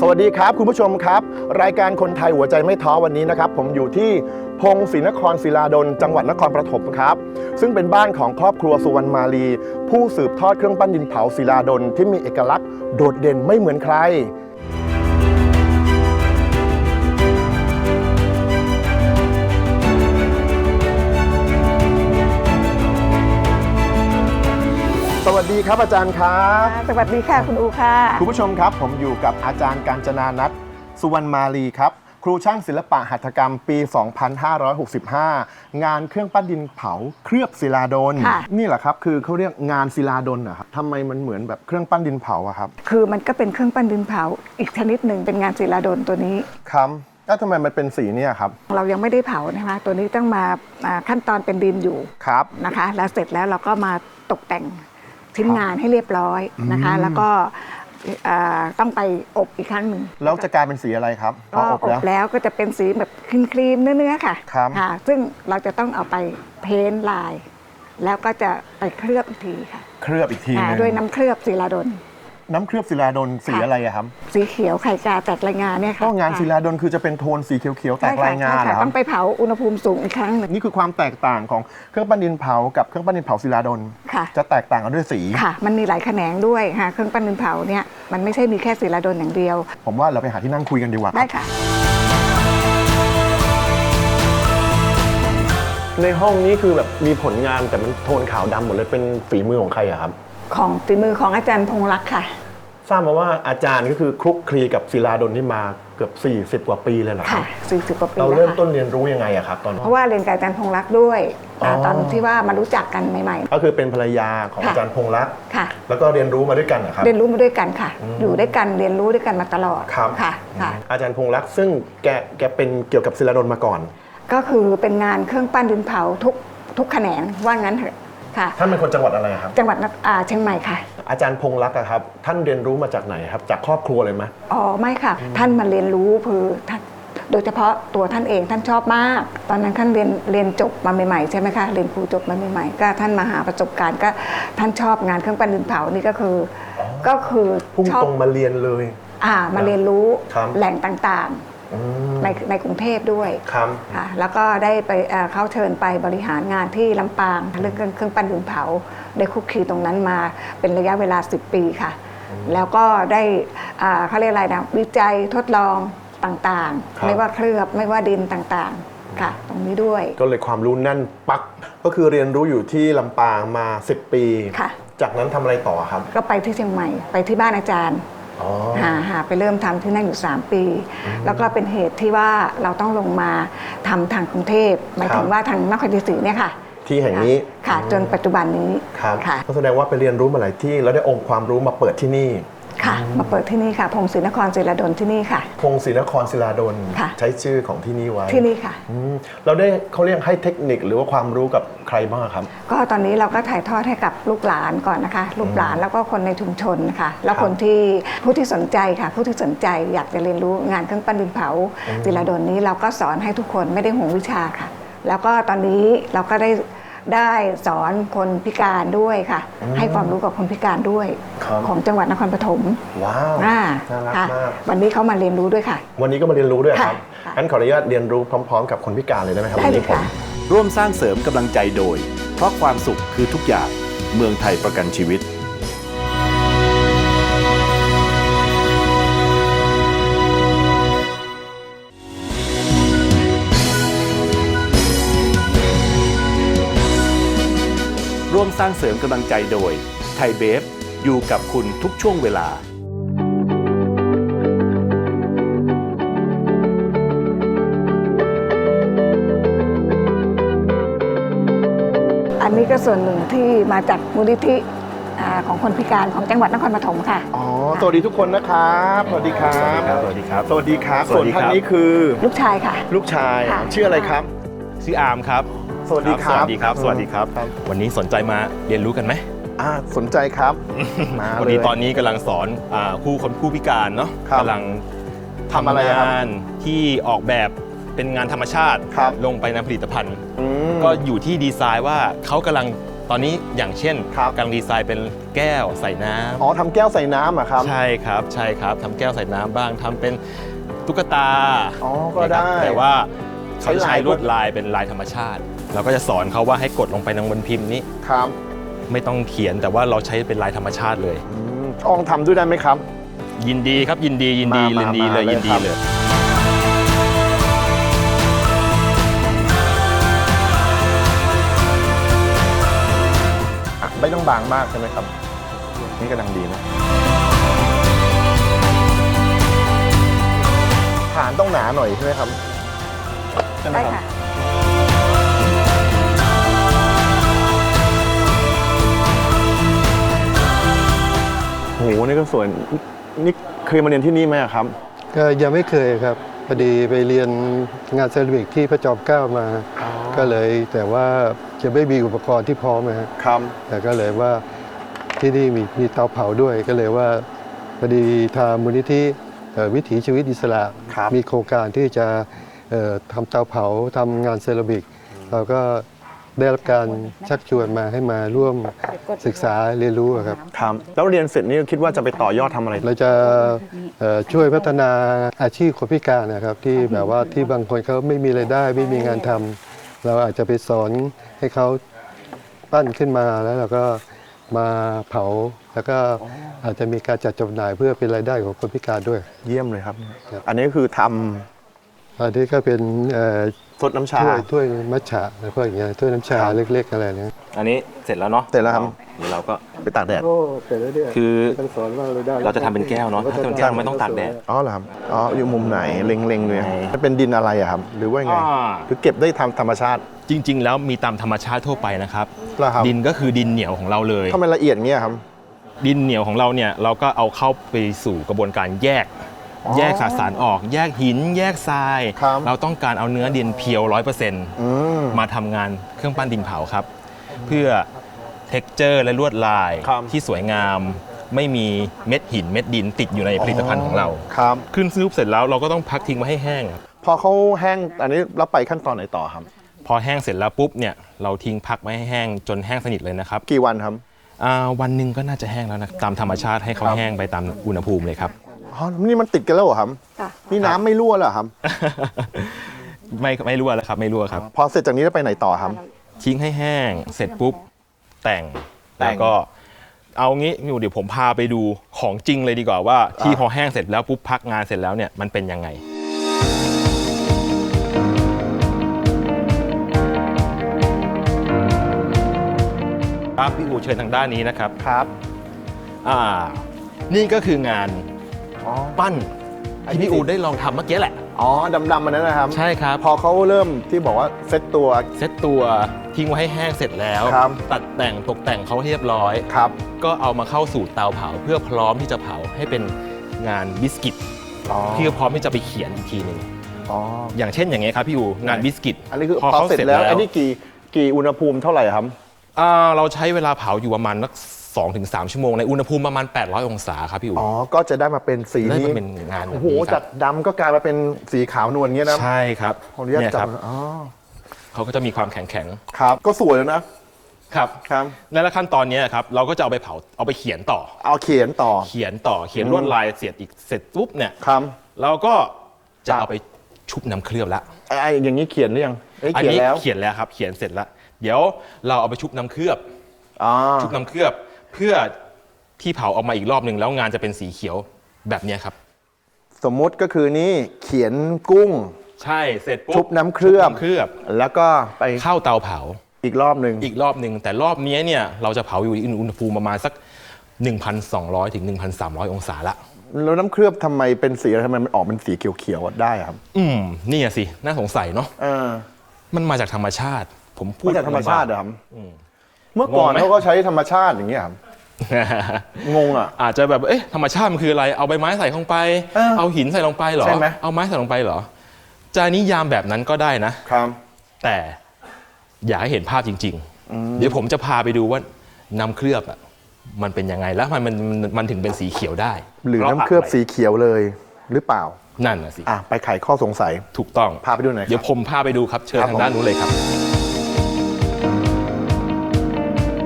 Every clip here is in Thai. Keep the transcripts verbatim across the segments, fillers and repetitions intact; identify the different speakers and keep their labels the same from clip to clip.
Speaker 1: สวัสดีครับคุณผู้ชมครับรายการคนไทยหัวใจไม่ท้อวันนี้นะครับผมอยู่ที่พงศรีนครศิลาดลจังหวัดนครปฐมครับซึ่งเป็นบ้านของครอบครัวสุวรรณมาลีผู้สืบทอดเครื่องปั้นดินเผาศิลาดลที่มีเอกลักษณ์โดดเด่นไม่เหมือนใครสวัสดีครับอาจารย์ครับ
Speaker 2: สวัสดีค่ะคุณอูค่ะ
Speaker 1: คุณผู้ชมครับผมอยู่กับอาจารย์กาญจนานัทสุวรรณมาลีครับครูช่างศิลปะหัตถกรรมปี สองพันห้าร้อยหกสิบห้า งานเครื่องปั้นดินเผาเคลือบศิลาดลนี่แหละครับคือเขาเรียกงานศิลาดลนะครับทำไมมันเหมือนแบบเครื่องปั้นดินเผาอะครับ
Speaker 2: คือมันก็เป็นเครื่องปั้นดินเผาอีกชนิดหนึ่งเป็นงานศิลาดลตัวนี้
Speaker 1: ครับแล้วทำไมมันเป็นสีเนี่ยครับ
Speaker 2: เรายังไม่ได้เผานะคะตัวนี้ต้องมาขั้นตอนเป็นดินอยู่
Speaker 1: ครับ
Speaker 2: นะคะแล้วเสร็จแล้วเราก็มาตกแต่งชิ้นงานให้เรียบร้อยนะคะแล้วก็ต้องไปอบอีกครั้งหนึ่ง
Speaker 1: แล้วจะกลายเป็นสีอะไรครับ
Speaker 2: พออบแล้วก็จะเป็นสีแบบครีมๆเนื้อๆค่ะค่ะซึ่งเราจะต้องเอาไปเพ้นท์ลายแล้วก็จะไปเคลือบอีกทีค่ะ
Speaker 1: เคลือบอีกที
Speaker 2: ด้วยน้ำเคลือบศิลาดล
Speaker 1: น้ำเคลือบศิลาดลสีอะไรอะครับ
Speaker 2: สีเขียวไข่กาแตกรายงานเนี่ยค่ะ
Speaker 1: ก็งานศิลาดลคือจะเป็นโทนสีเขียวๆแตกรายงานเหรอ
Speaker 2: ต้องไปเผาอุณหภูมิสูงอีกครั้งนึง
Speaker 1: นี่คือความแตกต่างของเครื่องปั้นดินเผากับเครื่องปั้นดินเผาศิลาดลจะแตกต่างกันด้วยสี
Speaker 2: ค่ะมันมีหลายแขนงด้วยค่ะเครื่องปั้นดินเผาเนี่ยมันไม่ใช่มีแค่ศิลาดลอย่างเดียว
Speaker 1: ผมว่าเราไปหาที่นั่งคุยกันดีกว่า
Speaker 2: ได้ค่ะ
Speaker 1: ในห้องนี้คือแบบมีผลงานแต่มันโทนขาวดำหมดเลยเป็นฝีมือของใครอะครับ
Speaker 2: ของฝีมือของอาจารย์พงษ์รักค่ะ
Speaker 1: ทราบมาว่าอาจารย์ก็คือคลุกคลีกับศิลาดลที่มาเกือบสี่สิบกว่าปีเลยเหรอ
Speaker 2: ค่ะสี่สิบกว่าปี
Speaker 1: เราเริ่มต้นเรียนรู้ยังไงอะครับตอน
Speaker 2: เพราะว่าเรียนกับอาจารย์พงษ์รักด้วยตอนที่ว่ามารู้จักกันใหม่
Speaker 1: ๆก็คือเป็นภรรยาของอาจารย์พงษ์รัก
Speaker 2: ค่ะ
Speaker 1: แล้วก็เรียนรู้มาด้วยกันนะครับ
Speaker 2: เรียนรู้มาด้วยกันค่ะอยู่ด้วยกันเรียนรู้ด้วยกันมาตลอด
Speaker 1: ครับ
Speaker 2: ค่ะค่ะ
Speaker 1: อาจารย์พงษ์รักซึ่งแกแกเป็นเกี่ยวกับศิลาดลมาก่อน
Speaker 2: ก็คือเป็นงานเครื่องปั้นดินเผาทุกทุกแขนงว่างั้นเถอะค่ะ
Speaker 1: ท่านเป็นคนจังหวัดอะไรครับ
Speaker 2: จังหวัดเชียงใหม่ค่ะ
Speaker 1: อาจารย์พงษ์รักครับท่านเรียนรู้มาจากไหนครับจากครอบครัวเลยไหม
Speaker 2: อ๋อไม่ค่ะท่านมาเรียนรู้คือท่านโดยเฉพาะตัวท่านเองท่านชอบมากตอนนั้นท่านเรียนเรียนจบมาใหม่ๆใช่ไหมคะเรียนครูจบมาใหม่ๆก็ท่านมาหาประสบการณ์ก็ท่านชอบงานเครื่องปั้นดินเผานี่ก็คือก็คือ
Speaker 1: พุ่งตรงมาเรียนเลย
Speaker 2: อ่ามาเรียนรู้แหล่งต่างๆในในกรุงเทพด้วย
Speaker 1: ครับ
Speaker 2: ค่ะแล้วก็ได้ไปเข้าเชิญไปบริหารงานที่ลำปางเรื่องเครื่องปั้นดินเผาได้คุกคีตรงนั้นมาเป็นระยะเวลาสิบปีค่ะแล้วก็ได้เขาเรียกอะไรนะวิจัยทดลองต่างๆไม่ว่าเคลือบไม่ว่าดินต่างๆค่ะตรงนี้ด้วย
Speaker 1: ก็เลยความรู้แน่นปักก็คือเรียนรู้อยู่ที่ลำปางมาสิบปี
Speaker 2: ค่ะ
Speaker 1: จากนั้นทำอะไรต่อครับ
Speaker 2: ก็ไปที่เชียงใหม่ไปที่บ้านอาจารย์หาหาไปเริ่มทำที่นั่นอยู่สามปีแล้วก็เป็นเหตุที่ว่าเราต้องลงมาทำทางกรุงเทพหมายถึงว่าทางนครศรีเนี่ยค่ะ
Speaker 1: ที่แห่งนี้
Speaker 2: ค่ะจนปัจจุบันนี้
Speaker 1: ค่ะก็แสดงว่าไปเรียนรู้มาหลายที่แล้วได้องค์ความรู้มาเปิดที่นี่
Speaker 2: ค่ะมาเปิดที่นี่ค่ะพงศรีนครศิลาดลที่นี่ค่ะ
Speaker 1: พงศรีนครศิลาดลใช้ชื่อของที่นี่ไว้
Speaker 2: ที่นี่ค่ะ
Speaker 1: เราได้เขาเรียกให้เทคนิคหรือว่าความรู้กับใครบ้างครับ
Speaker 2: ก็ตอนนี้เราก็ถ่ายทอดให้กับลูกหลานก่อนนะคะลูกหลานแล้วก็คนในชุมชนค่ะแล้วคนที่ผู้ที่สนใจค่ะผู้ที่สนใจอยากจะเรียนรู้งานเครื่องปั้นดินเผาศิลาดลนี้เราก็สอนให้ทุกคนไม่ได้ห่วงวิชาค่ะแล้วก็ตอนนี้เราก็ได้ได้สอนคนพิการด้วยค่ะให้ความรู้กับคนพิการด้วยของจังหวัดนครปฐม
Speaker 1: ว้าวน่ารักมาก
Speaker 2: วันนี้เขามาเรียนรู้ด้วยค่ะ
Speaker 1: วันนี้ก็มาเรียนรู้ด้วยครับงั้นขออนุญาตเรียนรู้พร้อมๆกับคนพิการเลยได้ไหมครับ
Speaker 2: ได้เลยค่ะ
Speaker 3: ร่วมสร้างเสริมกำลังใจโดยเพราะความสุขคือทุกอย่างเมืองไทยประกันชีวิตร่วมสร้างเสริมกำลังใจโดยไทยเบฟอยู่กับคุณทุกช่วงเวลา
Speaker 2: อันนี้ก็ส่วนหนึ่งที่มาจากมูลนิธิของคนพิการของจังหวัดนครปฐมค่ะ
Speaker 1: อ๋อสวัสดีทุกคนนะครับสวัสดีครับ
Speaker 3: สวัสดีครับ
Speaker 1: สวัสดีครับส่วนท่านนี้คือ
Speaker 2: ลูกชายค่ะ
Speaker 1: ลูกชายชื่ออะไรครับ
Speaker 3: ชื่ออาร์มครับ
Speaker 1: สวัสดีครับ
Speaker 3: สวัสดีครับสวัสดีครับวันนี้สนใจมาเรียนรู้กันไหม
Speaker 1: อ่าสนใจครับ
Speaker 3: วันนี้ตอนนี้กำลังสอนผู้คนผู้พิการเนาะกำลังทำงานที่ออกแบบเป็นงานธรรมชาติลงไปในผลิตภัณฑ์ก็อยู่ที่ดีไซน์ว่าเขากำลังตอนนี้อย่างเช่น
Speaker 1: ครับ
Speaker 3: กำลังดีไซน์เป็นแก้วใส่น้ำ
Speaker 1: อ๋อทำแก้วใส่น้ำอะครับ
Speaker 3: ใช่ครับใช่ครับทำแก้วใส่น้ำบ้างทำเป็นตุ๊กตา
Speaker 1: อ๋อก็ได้
Speaker 3: นะครับแต่ว่าเขาจะ
Speaker 1: ใช้
Speaker 3: ใช้
Speaker 1: ลาย
Speaker 3: ลวดลายเป็นลายธรรมชาติ เราก็จะสอนเขาว่าให้กดลงไปในบนพิมพ์นี้
Speaker 1: ครับ
Speaker 3: ไม่ต้องเขียนแต่ว่าเราใช้เป็นลายธรรมชาติเลย
Speaker 1: อืมลองทำด้วยได้ไหมครับ
Speaker 3: ยินดีครับยินดียินดี
Speaker 1: มา
Speaker 3: ยินดี
Speaker 1: มา
Speaker 3: เลย
Speaker 1: เลย
Speaker 3: ยินดี
Speaker 1: ครับ
Speaker 3: เลย
Speaker 1: อ่ะไม่ต้องบางมากใช่ไหมครับ นี่กำลังดีนะฐานต้องหนาหน่อยใช่ไหมครับใช่ไหม
Speaker 2: ได้
Speaker 1: ครับ
Speaker 2: ค่ะ
Speaker 1: โหนี่ก็สวยนี่เคยมาเรียนที่นี่ไหมอะครับ
Speaker 4: ก็ยังไม่เคยครับพอดีไปเรียนงานเซรามิกที่พระจอมเกล้ามา
Speaker 1: อ๋อ
Speaker 4: ก็เลยแต่ว่าจะไม่มีอุปกรณ์ที่พร้อมนะฮะ
Speaker 1: ครับ
Speaker 4: แต่ก็เลยว่าที่นี่มีมีเตาเผาด้วยก็เลยว่าพอดีทางมูลนิธิเอ่อวิถีชีวิตอิสระ
Speaker 1: ครับ
Speaker 4: มีโครงการที่จะเอ่อทำเตาเผาทำงานเซรามิก เราก็ได้รับการชักชวนมาให้มาร่วมศึกษาเรียนรู้อะครับ
Speaker 1: ครับแล้วเรียนเสร็จนี่คิดว่าจะไปต่อยอดทำอะไร
Speaker 4: เราจะเอ่อช่วยพัฒนาอาชีพคนพิการนะครับ ที่แบบว่าที่บางคนเขาไม่มีรายได้ไม่มีงานทำเราอาจจะไปสอนให้เขาปั้นขึ้นมาแล้วเราก็มาเผา แล้วก็อาจจะมีการจัดจำหน่ายเพื่อเป็นรายได้ของคนพิการด้วย
Speaker 1: เยี่ยมเลยครับ
Speaker 4: ครับ
Speaker 1: อันนี้ก็คือท
Speaker 4: อันนี้ก็เป็นเอ่อ
Speaker 1: ำซดน้ำชา
Speaker 4: ถ้วยถ้วยมัทฉะอะไรพวกอย่างเงี้ยถ้วยน้ำชา
Speaker 1: ครับ
Speaker 4: เล็กๆอะไรเนี้ย
Speaker 3: อันนี้เสร็จแล้วเนาะ
Speaker 1: เสร็จแล้วครับ
Speaker 3: เดี๋ยวเราก็
Speaker 1: ไปตากแดด
Speaker 4: โอ้เสร็จแล้วเนี่ย
Speaker 3: คือ
Speaker 4: ท่านสอนว่าเราได้
Speaker 3: เราจะทำเป็นแก้วเนาะถ้าเป็นแก้วไม่ต้องตากแดด
Speaker 1: อ๋อเหรอครับ อ๋อ อยู่มุมไหน เล็งๆเลย
Speaker 3: ไหน
Speaker 1: มันเป็นดินอะไรอะครับ หรือว่ายังไง
Speaker 3: อ่า
Speaker 1: หรือเก็บได้ทำธรรมชาติ
Speaker 3: จริง ๆ แล้วมีตามธรรมชาติทั่วไปนะครับ
Speaker 1: เหรอครับ
Speaker 3: ดินก็คือดินเหนียวของเราเลย
Speaker 1: ทำไมละเอียดเงี้ยครับ
Speaker 3: ดินเหนียวของเราเนี่ยเราก็เอาเข้าไปสู่กระบวนการแยก
Speaker 1: อ๋อ
Speaker 3: แยกสสารออก แยกหิน แยกทราย
Speaker 1: ครับ
Speaker 3: เราต้องการเอาเนื้อดินเพียวร้อยเปอร์เซ็นต์
Speaker 1: อืม
Speaker 3: มาทำงานเครื่องปั้นดินเผาครับ เพื่อเท็กเจอร์และลวดลาย
Speaker 1: ครับ
Speaker 3: ที่สวยงาม ไม่มีเม็ดหินเม็ดดินติดอยู่ในผลิตภัณฑ์ของเรา
Speaker 1: ครับ
Speaker 3: ขึ้นรูปเสร็จแล้วเราก็ต้องพักทิ้งไว้ให้แห้งครับ
Speaker 1: พอเขาแห้ง อันนี้เราไปขั้นตอนไหนต่อครับ
Speaker 3: พอแห้งเสร็จแล้วปุ๊บเนี่ยเราทิ้งพักไว้ให้แห้งจนแห้งสนิทเลยนะครับ
Speaker 1: กี่วันครับ
Speaker 3: อ่าวันหนึ่งก็น่าจะแห้งแล้วนะตามธรรมชาติให้เขา
Speaker 1: ครับ
Speaker 3: แห้งไปตามอุณหภูมิเลยครับ
Speaker 1: อ๋อ นี่มันติดกันแล้วเหรอครับ
Speaker 2: ค่ะ
Speaker 1: นี่น้ำไม่รั่วเหรอครับ
Speaker 3: ไม่ไม่รั่วแล้วครับไม่รั่วครับ
Speaker 1: พอเสร็จจากนี้แล้วไปไหนต่อครับ
Speaker 3: ทิ้งให้แห้งเสร็จปุ๊บแต่ง
Speaker 1: แต่ง
Speaker 3: แล้วก็เอางี้อยู่เดี๋ยวผมพาไปดูของจริงเลยดีกว่าว่าที่
Speaker 1: อ่ะ
Speaker 3: พอแห้งเสร็จแล้วปุ๊บพักงานเสร็จแล้วเนี่ยมันเป็นยังไงครับพี่อูเชิญทางด้านนี้นะครับ
Speaker 1: ครับ
Speaker 3: อ่านี่ก็คืองาน
Speaker 1: อ๋อ
Speaker 3: ปั้นที่พี่อูได้ลองทำเมื่อกี้แหละ
Speaker 1: อ๋อ ดำๆมันนั้นนะครับ
Speaker 3: ใช่ครับ
Speaker 1: พอเขาเริ่มที่บอกว่าเซ็ตตัว
Speaker 3: เซ็ตตัวทิ้งไว้ให้แห้งเสร็จแล้ว
Speaker 1: ครับ
Speaker 3: ตัดแต่งตกแต่งเขาให้เรียบร้อย
Speaker 1: ครับ
Speaker 3: ก็เอามาเข้าสู่เตาเผาเพื่อพร้อมที่จะเผาให้เป็นงานบิสกิต
Speaker 1: อ๋อ
Speaker 3: ที่พร้อมที่จะไปเขียนอีกทีหนึ่ง
Speaker 1: อ๋อ
Speaker 3: อย่างเช่นอย่างเงี้ยครับพี่อูงานบิสกิต
Speaker 1: อันนี้คือ
Speaker 3: พอ
Speaker 1: พอ
Speaker 3: เขา
Speaker 1: เสร็จ
Speaker 3: เสร็จ
Speaker 1: แล้ว
Speaker 3: แล้ว
Speaker 1: อันนี้กี่กี่อุณหภูมิเท่าไหร่ครับ
Speaker 3: อ่าเราใช้เวลาเผาอยู่ประมาณนักสองถึงสามชั่วโมงในอุณหภูมิประมาณแปดร้อยองศาครับพี่อู
Speaker 1: อ๋อ ก็จะได้มาเป็นสี
Speaker 3: ได้
Speaker 1: นี้
Speaker 3: มาเป็นงานแบ
Speaker 1: โอ้
Speaker 3: บ
Speaker 1: โห
Speaker 3: นี้ค
Speaker 1: จา
Speaker 3: รั
Speaker 1: ก
Speaker 3: บ
Speaker 1: ดำก็กลายมาเป็นสีขาวนวลเงี้ยนะ
Speaker 3: ใช่ครับ
Speaker 1: ขออนุญาต
Speaker 3: เนี่ย
Speaker 1: จั
Speaker 3: ครับ บ
Speaker 1: อ๋อ
Speaker 3: เขาก็จะมีความแข็งแข็ง
Speaker 1: ครับ ก็สวยแล้วนะ
Speaker 3: ๆครับ
Speaker 1: ครับ
Speaker 3: และขั้นตอนเนี้ยครับเราก็จะเอาไปเผาเอาไปเขียนต่อ
Speaker 1: เอาเขียนต่อ
Speaker 3: เขียนต่อเขียนลวดลายเสร็จอีกเสร็จปุ๊บเนี่ย
Speaker 1: ครับ
Speaker 3: เราก็จะเอาไปชุบน้ำเคลือบละ
Speaker 1: ไอ้ไอ้อย่างนี้เขียนหรือยังไอ้
Speaker 3: อัน
Speaker 1: เขียน
Speaker 3: นี้
Speaker 1: แล้ว
Speaker 3: เขียนแล้วครับเขียนเสร็จแล้วเดี๋ยวเราเอาไปชุบน้ำเคลือบ
Speaker 1: อ๋อ
Speaker 3: ชุบน้ำเคลือบ เพื่อที่เผาออกมาอีกรอบหนึ่งแล้วงานจะเป็นสีเขียวแบบเนี้ยครับ
Speaker 1: สมมุติก็คือนี่เขียนกุ้ง
Speaker 3: ใช่เสร็จปุ๊บ
Speaker 1: ชุบน้ำเคลือบ
Speaker 3: ชุน้ำเคลือบ
Speaker 1: แล้วก็ไป
Speaker 3: เข้าเตาเผา
Speaker 1: อีกรอบหนึ่ง
Speaker 3: อีกรอบหนึ่งแต่รอบนี้เนี่ยเราจะเผาอยู่อุณหภูมิประมาณสัก หนึ่งพันสองร้อย ถึง หนึ่งพันสามร้อย องศาละ
Speaker 1: แล้วน้ำเคลือบทำไมเป็นสีอะไรทำไมมันออกเป็นสีเขียวๆได้อะครับ
Speaker 3: อืมนี่อะสิน่าสงสัยเนาะ
Speaker 1: เออ
Speaker 3: มันมาจากธรรมชาติ ผมพูด
Speaker 1: มาจากธรรมชาติเหรอครับ
Speaker 3: อืม
Speaker 1: เมื่อก่อน
Speaker 3: งงไหม
Speaker 1: เขาก็ใช้ธรรมชาติอย่างเงี้ยครับ งงอ่ะ
Speaker 3: อาจจะแบบเอ๊ะธรรมชาติมันคืออะไรเอาใบไม้ใส่ลงไป
Speaker 1: เออ
Speaker 3: เอาหินใส่ลงไปเหรอ
Speaker 1: ใช่ไหม
Speaker 3: เอาไม้ใส่ลงไปเหรอจะนิยามแบบนั้นก็ได้นะ
Speaker 1: ครับ
Speaker 3: แต่อยากให้เห็นภาพจริง ๆ เดี๋ยวผมจะพาไปดูว่าน้ำเคลือบอ่ะมันเป็นยังไงแล้วมันมันมันมันถึงเป็นสีเขียวได้
Speaker 1: หรือ
Speaker 3: พาะ
Speaker 1: น้ำเคลือบ
Speaker 3: ะไ
Speaker 1: สีเขียวเลยหรือเปล่า
Speaker 3: นั่นน่ะสิ
Speaker 1: อ่ะไปไขข้อสงสัย
Speaker 3: ถูกต้อง
Speaker 1: พาไปดูหน่อยครับ
Speaker 3: เดี๋ยวผมพาไปดูครับเชิญ
Speaker 1: ครับ
Speaker 3: ทางด้านนู้นเลยครับ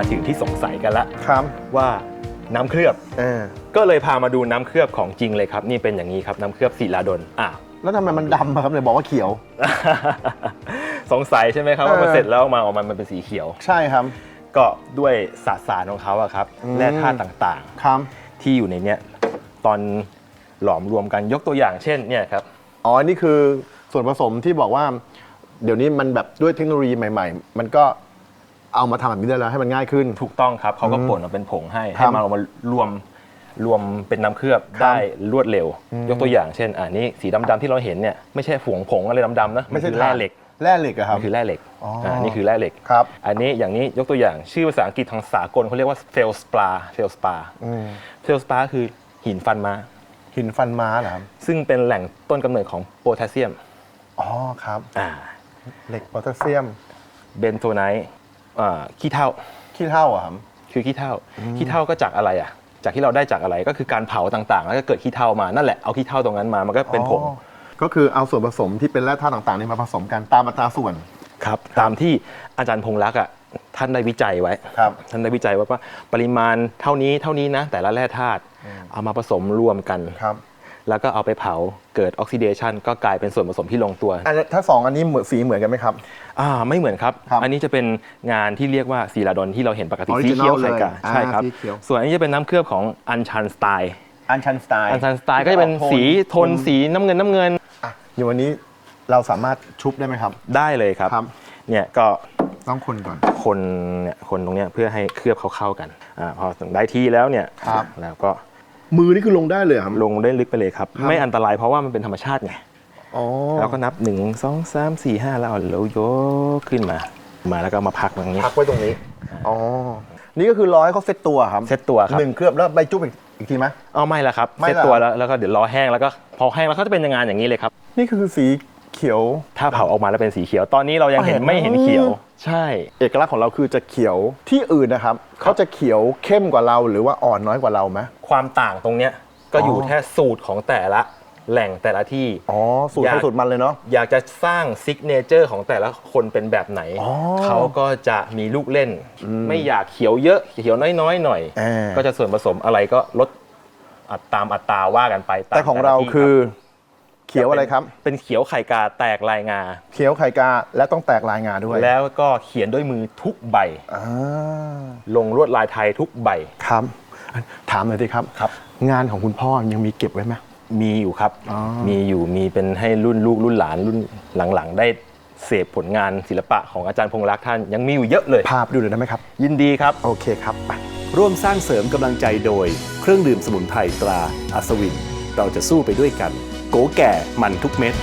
Speaker 3: ถึงที่สงสัยกันละ
Speaker 1: ครับ
Speaker 3: ว่าน้ำเคลือบ
Speaker 1: เออ
Speaker 3: ก็เลยพามาดูน้ำเคลือบของจริงเลยครับนี่เป็นอย่างนี้ครับน้ำเคลือบศิลาดลอ่ะ
Speaker 1: แล้วทำไมมันดำอะครับเลยบอกว่าเขียว
Speaker 3: สงสัยใช่ไหมครับ
Speaker 1: เออ
Speaker 3: ว่าพอเสร็จแล้วมาออกมามันเป็นสีเขียว
Speaker 1: ใช่ครับ
Speaker 3: ก็ด้วยสสารของเขาอะครับ
Speaker 1: อืม
Speaker 3: แร่ธาตุต่าง
Speaker 1: ครับ
Speaker 3: ๆ ที่อยู่ในเนี้ยตอนหลอมรวมกันยกตัวอย่างเช่นเนี่ยครับ
Speaker 1: อ๋อ นี่คือส่วนผสมที่บอกว่า เดี๋ยวนี้มันแบบด้วยเทคโนโลยีใหม่ ๆ มันก็เอามาทำแบบนี้ได้แล้วให้มันง่ายขึ้น
Speaker 3: ถูกต้องครับเขาก็
Speaker 1: อืม
Speaker 3: ป่นมาเป็นผงให้
Speaker 1: ครั
Speaker 3: ให้
Speaker 1: บ
Speaker 3: มาเอามารวมรวมเป็นน้ำเคลือบ
Speaker 1: ครับ
Speaker 3: ได้รวดเร็ว
Speaker 1: อืม
Speaker 3: ยกตัวอย่างเช่นอ่านี่สีดำๆที่เราเห็นเนี่ยไม่ใช่ผงผงอะไรดำๆนะ
Speaker 1: ไม่ใช่
Speaker 3: นคือแร่เหล็ก
Speaker 1: แร่เหล็กอะครับ
Speaker 3: มันคือแร่เหล็ก
Speaker 1: อ๋ออ่
Speaker 3: านี่คือแร่เหล็ก
Speaker 1: ครับ
Speaker 3: อันนี้อย่างนี้ยกตัวอย่างชื่อภาษาอังกฤษทางสากลเขาเรียกว่าเฟลสปาเฟลสปา
Speaker 1: อืม
Speaker 3: เฟลสปาคือหินฟันม้า
Speaker 1: หินฟันม้าเหรอครับ
Speaker 3: ซึ่งเป็นแหล่งต้นกำเนิดของโพแทสเซียม
Speaker 1: อ๋อครับ
Speaker 3: อ่า
Speaker 1: เหล็กโพแทสเซียม
Speaker 3: เบนโทไนท์อ่าขี้เถ้า
Speaker 1: ขี้เถ้าอะครับ
Speaker 3: คือขี้เถ้าขี้เถ้าก็จากอะไรอ่ะจากที่เราได้จากอะไรก็คือการเผาต่างๆ แล้วก็เกิดขี้เถ้ามานั่นแหละเอาขี้เถ้าตรงนั้นมามันก็เป็นผง
Speaker 1: อ๋อก็คือเอาส่วนผสมที่เป็นแร่ธาตุต่างๆนี่มาผสมกันตามอัตราส่วน
Speaker 3: ครับตามที่อาจารย์พงษ์รักษ์อ่ะท่านได้วิจัยไว้
Speaker 1: ครับ
Speaker 3: ท่านได้วิจัยไว้ว่าปริมาณเท่านี้เท่านี้นะแต่ละแร่ธาตุเอามาผสมรวมกัน
Speaker 1: ครับ
Speaker 3: แล้วก็เอาไปเผาเกิดออกซิเดชันก็กลายเป็นส่วนผสมที่ลงตัว
Speaker 1: อันนี้ถ้าสองอันนี้เหมือนสีเหมือนกันไหมครับ
Speaker 3: อ่าไม่เหมือนครับ
Speaker 1: ครับ
Speaker 3: อันนี้จะเป็นงานที่เรียกว่าศิลาดลที่เราเห็นปกติ
Speaker 1: Original
Speaker 3: สีเขียวไข่กา
Speaker 1: เลยอ่า
Speaker 3: ใช่ครับ
Speaker 1: สีเขียว
Speaker 3: ส่วนอันนี้จะเป็นน้ำเคลือบของอัญชันสไตล์
Speaker 1: อันชันสไตล์
Speaker 3: อัญชันสไตล์ก็จะเป็นสีโทนสีน้ำเงินน้ำเงิน
Speaker 1: อ่ะอย่างวันนี้เราสามารถชุบได้ไหมครับ
Speaker 3: ได้เลยครับ
Speaker 1: ครับ
Speaker 3: เนี่ยก็
Speaker 1: ต้องคนก่อน
Speaker 3: คนเนี่ยคนตรงเนี้ยเพื่อให้เคลือบเขาเข้ากันอ่าพอได้ที่แล้วเนี่ย
Speaker 1: ครับ
Speaker 3: แล้วก็
Speaker 1: มือนี่คือลงได้เลยเหรอครับ
Speaker 3: ลงได้ลึกไปเลยครับ
Speaker 1: ครับ
Speaker 3: ไม่อันตรายเพราะว่ามันเป็นธรรมชาติไง
Speaker 1: อ๋อ
Speaker 3: เราก็นับหนึ่งสองสามสี่ห้าแล้วเอาแล้วยกขึ้นมา มาแล้วก็มาพักตรงนี้
Speaker 1: พักไว้ตรงนี้ อ๋อ นี่ก็คือรอให้เขาเซตตัวครับ
Speaker 3: เซตตัวครับ
Speaker 1: หนึ่งเคลือบแล้วใบจุ๊บอีกอีกทีไหม
Speaker 3: เอาไม่ละครับ
Speaker 1: ไม่
Speaker 3: เซต
Speaker 1: ละ
Speaker 3: ตัวแล้วแล้วก็เดี๋ยวรอแห้งแล้วก็พอแห้งแล้วเขาจะเป็นยังไงอย่างนี้เลยครับ
Speaker 1: นี่คือสีเขียว
Speaker 3: ถ้าเผาออกมาแล้วเป็นสีเขียว ตอนนี้เรายังเห็น
Speaker 1: เห็น
Speaker 3: ไม่เห็นเขียว ใช่
Speaker 1: เอกลักษณ์ของเราคือจะเขียวที่อื่นนะครับเขาจะเขียวเข้มกว่าเราหรือว่าอ่อนน้อยกว่าเราไหม
Speaker 3: ความต่างตรงเนี้ยก็อยู่
Speaker 1: อ๋อ
Speaker 3: แค่สูตรของแต่ละแหล่งแต่ละที่
Speaker 1: อ๋อ สูตร
Speaker 3: อยาก
Speaker 1: เขาสูตรมันเลยเนาะ
Speaker 3: อยากจะสร้างซิกเนเจอร์ของแต่ละคนเป็นแบบไหน
Speaker 1: อ๋อ
Speaker 3: เขาก็จะมีลูกเล่น ไม่อยากเขียวเยอะเขียวน้อยๆหน่อย
Speaker 1: อ่า
Speaker 3: ก็จะส่วนผสมอะไรก็ลดอัตามอัตราว่ากันไปม
Speaker 1: แต่ของเรา
Speaker 3: ละที่
Speaker 1: คือ
Speaker 3: รับ
Speaker 1: เขียวอะไรครับ
Speaker 3: เป็นเขียวไข่กาแตกลายงา
Speaker 1: เขียวไข่กาและต้องแตกลายงาด้วย
Speaker 3: แล้วก็เขียนด้วยมือทุกใบ
Speaker 1: อ่า
Speaker 3: ลงลวดลายไทยทุกใบ
Speaker 1: ครับถามหน่อยสิครับ
Speaker 3: ครับ
Speaker 1: งานของคุณพ่อยังมีเก็บไว้ไหม
Speaker 3: มีอยู่ครับ
Speaker 1: อ๋อ
Speaker 3: มีอยู่มีเป็นให้รุ่นลูกรุ่นหลานรุ่นหลังๆ ได้เสพผลงานศิลปะของอาจารย์พงษ์รักษ์ท่านยังมีอยู่เยอะเลย
Speaker 1: พาไปดูหน่อยได้ไหมครับ
Speaker 3: ยินดีครับ
Speaker 1: โอเคครับไป
Speaker 5: ร่วมสร้างเสริมกำลังใจโดย เครื่องดื่มสมุนไพรตราอัศวิน เราจะสู้ไปด้วยกัน โกแก่มันทุกเม็ด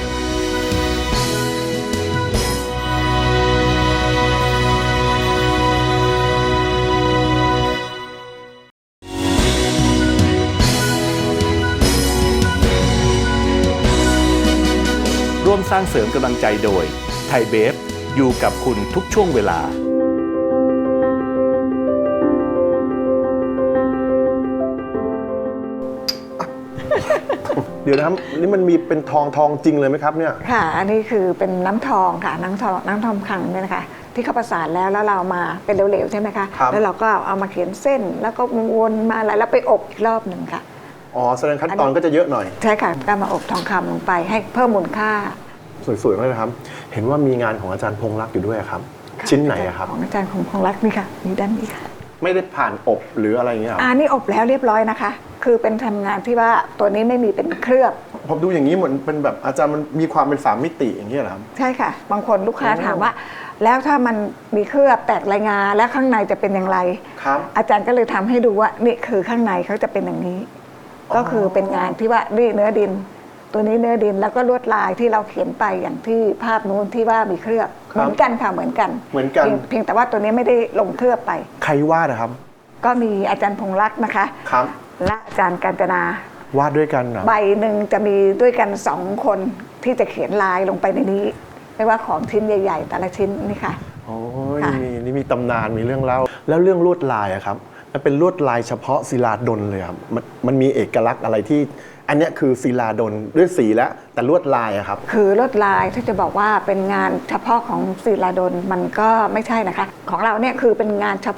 Speaker 5: ร่วมสร้างเสริมกำลังใจโดย ไทยเบฟอยู่กับคุณทุกช่วงเวลา
Speaker 1: เดี๋ยวนะครับนี่มันมีเป็นทองทองจริงเลยไหมครับเนี่ย
Speaker 2: ค่ะ อันนี้คือเป็นน้ำทองค่ะ น้ำทองน้ำทองคำเนี่ยนะคะ ที่เขาประสานแล้วแล้วเรามาเป็นเหลวๆใช่ไหมคะ
Speaker 1: ครับ
Speaker 2: แล้วเราก็เอามาเขียนเส้น แล้วก็วนมาอะไรแล้วไปอบอีกรอบหนึ่งค่ะ
Speaker 1: อ๋อแสดงขั้นตอนก็จะเยอะหน่อย
Speaker 2: ใช่ค่ะก็มาอบทองคำลงไปให้เพิ่มมูลค่า
Speaker 1: สวยๆมากเลยครับ เห็นว่ามีงานของอาจารย์พงษ์รักษ์อยู่ด้วยครับ ชิ้นไหนอะครับ
Speaker 2: ของอาจารย์คงคงรักนี่ค่ะนี่ด้านนี้ค่ะ
Speaker 1: ไม่ได้ผ่านอบหรืออะไรอย่างเงี้ยหรอ
Speaker 2: อ่านี่อบแล้วเรียบร้อยนะคะ คือเป็นทำงานที่ว่าตัวนี้ไม่มีเป็นเคลือบ
Speaker 1: ผมดูอย่างนี้เหมือนเป็นแบบอาจารย์มันมีความเป็นสามมิติอย่างเงี้ยเหรอครับ
Speaker 2: ใช่ค่ะ บางคนลูกค้า
Speaker 1: โอ้
Speaker 2: ถามว่า แล้วถ้ามันมีเคลือบแตกลายงาแล้วข้างในจะเป็นอย่างไร
Speaker 1: ครับ
Speaker 2: อาจารย์ก็เลยทำให้ดูว่านี่คือข้างในเขาจะเป็นอย่างนี้
Speaker 1: อ๋อ
Speaker 2: ก็คือเป็นงานที่ว่านี่เนื้อดิน ตัวนี้เนื้อดินแล้วก็ลวดลายที่เราเขียนไปอย่างที่ภาพนู้นที่ว่ามีเคลือบเหมือนกันค่ะเหมือนกัน
Speaker 1: เหมือนกัน
Speaker 2: พียงเพียงแต่ว่าตัวนี้ไม่ได้ลงเคลือบไป
Speaker 1: ใครวาดนะครับ
Speaker 2: ก็มีอาจารย์พงษ์รักษ์นะคะ
Speaker 1: ครับ
Speaker 2: และอาจารย์กาญจนา
Speaker 1: วาดด้วยกันเหรอ
Speaker 2: ใบหนึ่งจะมีด้วยกันสองคนที่จะเขียนลายลงไปในนี้ ไม่ว่าของชิ้นใหญ่ ๆ แต่ละชิ้นนี่ค่ะ
Speaker 1: โอ้ย
Speaker 2: ค่ะ
Speaker 1: มีนี่มีตำนานมีเรื่องเล่าแล้วเรื่องลวดลายอะครับมันเป็นลวดลายเฉพาะศิลาดลเลยครับมันมันมีเอกลักษณ์อะไรที่ อันเนี้ยคือศิลาดลด้วยสีแล้วแต่ลวดลายอะครับ
Speaker 2: คือลวดลายถ้าจะบอกว่าเป็นงานเฉพาะของศิลาดลมันก็ไม่ใช่นะคะ ของเราเนี่ยคือเป็นงานเฉพาะ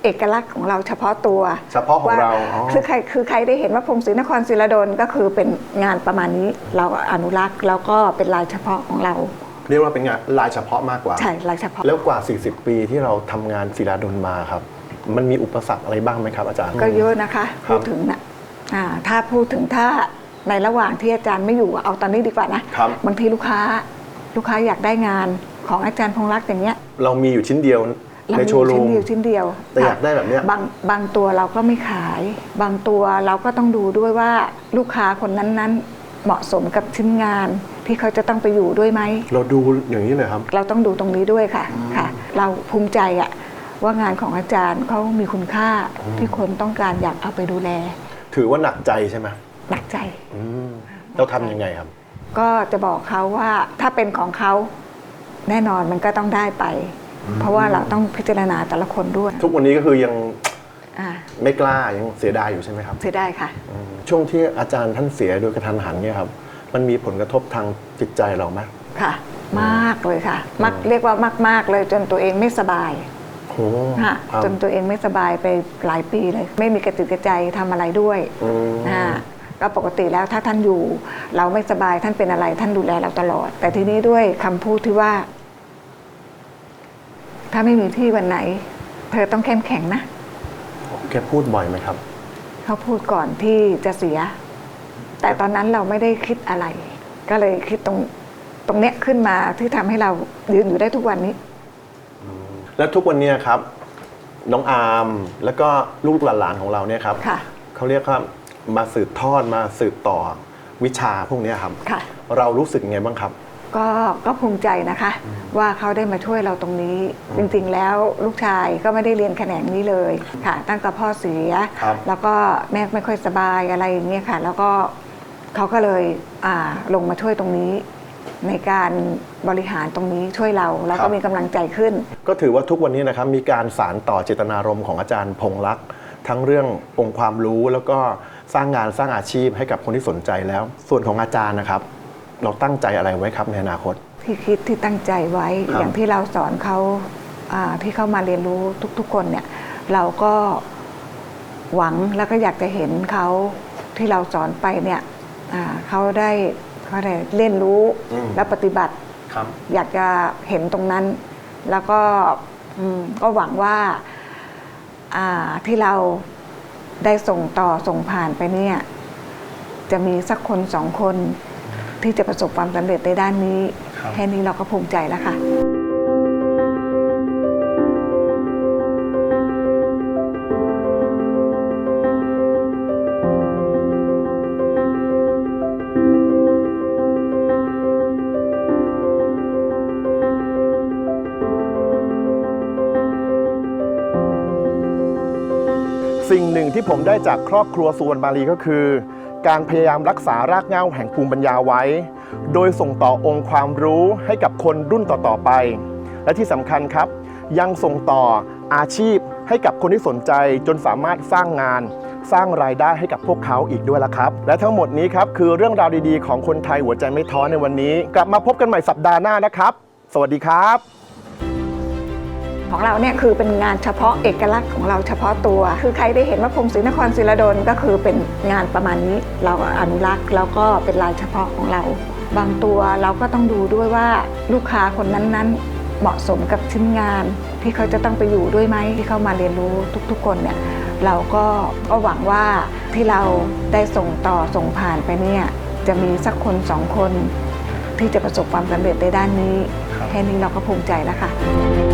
Speaker 2: เอกลักษณ์ของเราเฉพาะตัว
Speaker 1: เฉพาะของเรา
Speaker 2: ว่
Speaker 1: อ๋อ
Speaker 2: คือใครคือใครได้เห็นว่าพงศรีนครศิลาดลก็คือเป็นงานประมาณนี้เราอนุรักษ์แล้วก็เป็นลายเฉพาะของเรา
Speaker 1: เรียกว่าเป็นงานลายเฉพาะมากกว่า
Speaker 2: ใช่ลายเฉพาะ
Speaker 1: แล้วกว่า สี่สิบ ปีที่เราทำงานศิลาดลมาครับ มันมีอุปสรรคอะไรบ้างไหมครับอาจารย์
Speaker 2: ก็เยอะนะคะ
Speaker 1: ครั
Speaker 2: พู
Speaker 1: บ
Speaker 2: ดถึงนะอ่าถ้าพูดถึงถ้าในระหว่างที่อาจารย์ไม่อยู่เอาตอนนี้ดีกว่านะครับ บางทีลูกค้าลูกค้าอยากได้งานของอาจารย์พงษ์รักษ์อย่างเงี้ย
Speaker 1: เรามีอยู่ชิ้นเดียว
Speaker 2: เรา
Speaker 1: ใน
Speaker 2: มี
Speaker 1: โชว์รู
Speaker 2: ชิ้น
Speaker 1: ม
Speaker 2: เดียวชิ้นเดียว
Speaker 1: แต่อยากได้แบบเนี้ย
Speaker 2: บางบางตัวเราก็ไม่ขาย บางตัวเราก็ต้องดูด้วยว่าลูกค้าคนนั้นๆ เหมาะสมกับชิ้นงานที่เขาจะต้องไปอยู่ด้วยไหม
Speaker 1: เราดูอย่างนี้เลยครับ
Speaker 2: เราต้องดูตรงนี้ด้วยค่ะค่ะ เราภูมิใจอะว่างานของอาจารย์เขามีคุณค่าที่คนต้องการอยากเอาไปดูแล
Speaker 1: ถือว่าหนักใจใช่ไหม
Speaker 2: หนักใจ
Speaker 1: อืมเราทำยังไงครับ
Speaker 2: ก็จะบอกเขาว่าถ้าเป็นของเขาแน่นอนมันก็ต้องได้ไป เพราะว่าเราต้องพิจารณาแต่ละคนด้วย
Speaker 1: ทุกวันนี้ก็คือยัง
Speaker 2: อ่า
Speaker 1: ไม่กล้ายังเสียดายอยู่ใช่ไหมครับ
Speaker 2: เสียดายค่ะ
Speaker 1: อืมช่วงที่อาจารย์ท่านเสียโดยกระทันหันเนี่ยครับ มันมีผลกระทบทางจิตใจเราไหม
Speaker 2: ค่ะ มากเลยค่ะมักเรียกว่ามาก ๆ เลยจนตัวเองไม่สบาย
Speaker 1: โอ้
Speaker 2: ค่ะ
Speaker 1: ครับ
Speaker 2: จนตัวเองไม่สบายไปหลายปีเลย ไม่มีกระติกกระใจทำอะไรด้วย
Speaker 1: อืม
Speaker 2: อ่าก็ปกติแล้วถ้าท่านอยู่ เราไม่สบายท่านเป็นอะไรท่านดูแลเราตลอด แต่ทีนี้ด้วยคำพูดที่ว่า ถ้าไม่มีที่วันไหน เธอต้องเข้มแข็งนะ
Speaker 1: แกพูดบ่อยไหมครับ
Speaker 2: เขาพูดก่อนที่จะเสีย แต่ตอนนั้นเราไม่ได้คิดอะไร ก็เลยคิดตรงตรงเนี้ยขึ้นมาที่ทำให้เรายืนอยู่ได้ทุกวันนี้
Speaker 1: แล้วทุกวันเนี้ครับ น้องอาร์มแล้วก็ลูกหลานๆของเราเนี่ยครับ
Speaker 2: ค่ะ
Speaker 1: เขาเรียกว่ามาสืบทอดมาสืบต่อวิชาพวกเนี้ยครับ
Speaker 2: ค่ะ
Speaker 1: เรารู้สึกไงบ้างครับ
Speaker 2: ก็ก็ภูมิใจนะคะ ว่าเขาได้มาช่วยเราตรงนี้ จริงๆแล้วลูกชายก็ไม่ได้เรียนแขนงนี้เลยค่ะ ตั้งแต่พ่อเสีย
Speaker 1: ครับ
Speaker 2: แล้วก็แม่ไม่ค่อยสบายอะไรอย่างเงี้ยค่ะ แล้วก็เขาก็เลยอ่าลงมาช่วยตรงนี้ ในการบริหารตรงนี้ช่วยเราแล้วก็มีกำลังใจขึ้น
Speaker 1: ก็ถือว่าทุกวันนี้นะครับมีการสานต่อเจตนารมณ์ของอาจารย์พงษ์รักษ์ทั้งเรื่ององค์ความรู้แล้วก็สร้างงานสร้างอาชีพให้กับคนที่สนใจแล้ว ส่วนของอาจารย์นะครับ เราตั้งใจอะไรไว้ครับในอนาคต
Speaker 2: ที่คิดที่ตั้งใจไว้
Speaker 1: ครับ
Speaker 2: อย่างที่เราสอนเขาอ่าที่เข้ามาเรียนรู้ทุกๆ คนเนี่ยเราก็หวังแล้วก็อยากจะเห็นเขาที่เราสอนไปเนี่ยอ่าเขาได้เขาได้เรียนรู้
Speaker 1: อืม
Speaker 2: และปฏิบัติ
Speaker 1: ครับ
Speaker 2: อยากจะเห็นตรงนั้น แล้วก็อืมก็หวังว่าอ่าที่เราได้ส่งต่อส่งผ่านไปเนี่ยจะมีสักคนสองคนที่จะประสบความสำเร็จในด้านนี้
Speaker 1: ครับ
Speaker 2: แค่นี้เราก็ภูมิใจแล้วค่ะ
Speaker 1: สิ่งหนึ่งที่ผมได้จากครอบครัวสุวรรณมาลีก็คือ การพยายามรักษารากเหง้าแห่งภูมิปัญญาไว้ โดยส่งต่อองค์ความรู้ให้กับคนรุ่นต่อๆไป และที่สำคัญครับ ยังส่งต่ออาชีพให้กับคนที่สนใจจนสามารถสร้างงาน สร้างรายได้ให้กับพวกเขาอีกด้วยละครับ และทั้งหมดนี้ครับคือเรื่องราวดีๆของคนไทยหัวใจไม่ท้อในวันนี้ กลับมาพบกันใหม่สัปดาห์หน้านะครับ สวัสดีครับ
Speaker 2: ของเราเนี่ยคือเป็นงานเฉพาะเอกลักษณ์ของเราเฉพาะตัว คือใครได้เห็นว่าพงศรีนครศิลาดลก็คือเป็นงานประมาณนี้เราอนุรักษ์แล้วก็เป็นลายเฉพาะของเรา บางตัวเราก็ต้องดูด้วยว่าลูกค้าคนนั้นๆ เหมาะสมกับชิ้นงานที่เขาจะต้องไปอยู่ด้วยไหมที่เข้ามาเรียนรู้ทุกๆ คนเนี่ยเราก็ก็หวังว่าที่เราได้ส่งต่อส่งผ่านไปเนี่ยจะมีสักคนสองคนที่จะประสบความสำเร็จในด้านนี้ แค่นี้เราก็ภูมิใจแล้วค่ะ